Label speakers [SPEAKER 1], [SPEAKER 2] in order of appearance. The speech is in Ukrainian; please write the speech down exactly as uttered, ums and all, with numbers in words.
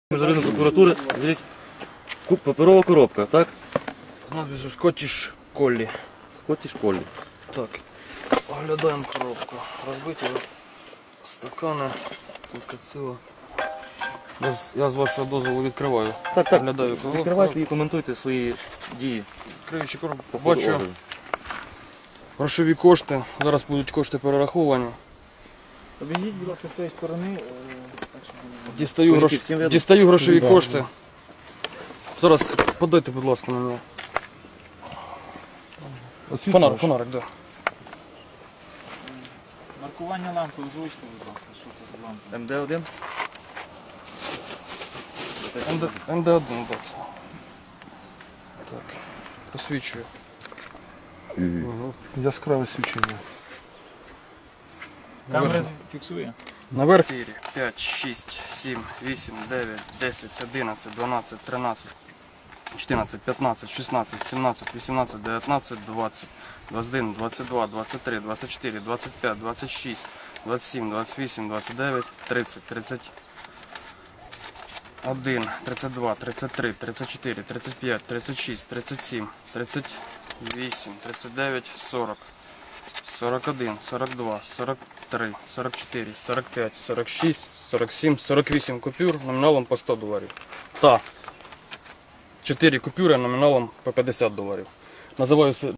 [SPEAKER 1] Міжнародної прокуратури, звідь, паперова коробка, так?
[SPEAKER 2] З надписью Scottish Collie.
[SPEAKER 1] Скотіш Коллі.
[SPEAKER 2] Так, оглядаємо коробку. Розбиті стакани, кільцево. Я з вашого дозволу відкриваю.
[SPEAKER 1] Так, так,
[SPEAKER 2] Оглядаю коробку.
[SPEAKER 1] відкривайте і коментуйте свої дії.
[SPEAKER 2] Відкриваючи коробку,
[SPEAKER 1] по ходу
[SPEAKER 2] бачу
[SPEAKER 1] огляду.
[SPEAKER 2] грошові кошти. Зараз будуть кошти перераховані.
[SPEAKER 3] Обійдіть, будь ласка, з тієї сторони.
[SPEAKER 2] Дістаю,
[SPEAKER 1] Кулики
[SPEAKER 2] грош...
[SPEAKER 1] всім видно?
[SPEAKER 2] Дістаю грошові
[SPEAKER 3] Да.
[SPEAKER 2] кошти. Зараз подайте, будь ласка, мені. Фонарик, фонарик, так. Да.
[SPEAKER 3] Маркування лампи озвучте, будь ласка, що це за лампа?
[SPEAKER 1] Ем Де один?
[SPEAKER 2] Ем Де один, так. Так, посвічую.
[SPEAKER 4] Яскраве свічення.
[SPEAKER 3] Камера фіксує?
[SPEAKER 2] Наверх п'ять, шість, сім, вісім, дев'ять, десять, одинадцять, дванадцять, тринадцять, чотирнадцять, п'ятнадцять, шістнадцять, сімнадцять, вісімнадцять, дев'ятнадцять, двадцять, двадцять один, двадцять два, двадцять три, двадцять чотири, двадцять п'ять, двадцять шість, двадцять сім, двадцять вісім, двадцять дев'ять, тридцять, тридцять один, тридцять два, тридцять три, тридцять чотири, тридцять п'ять, тридцять шість, тридцять сім, тридцять вісім, тридцять дев'ять, сорок, сорок один, сорок два, сорок три, сорок чотири, сорок п'ять, сорок шість, сорок сім, сорок вісім купюр номіналом по сто доларів. Та чотири купюри номіналом по п'ятдесят доларів. Називаюся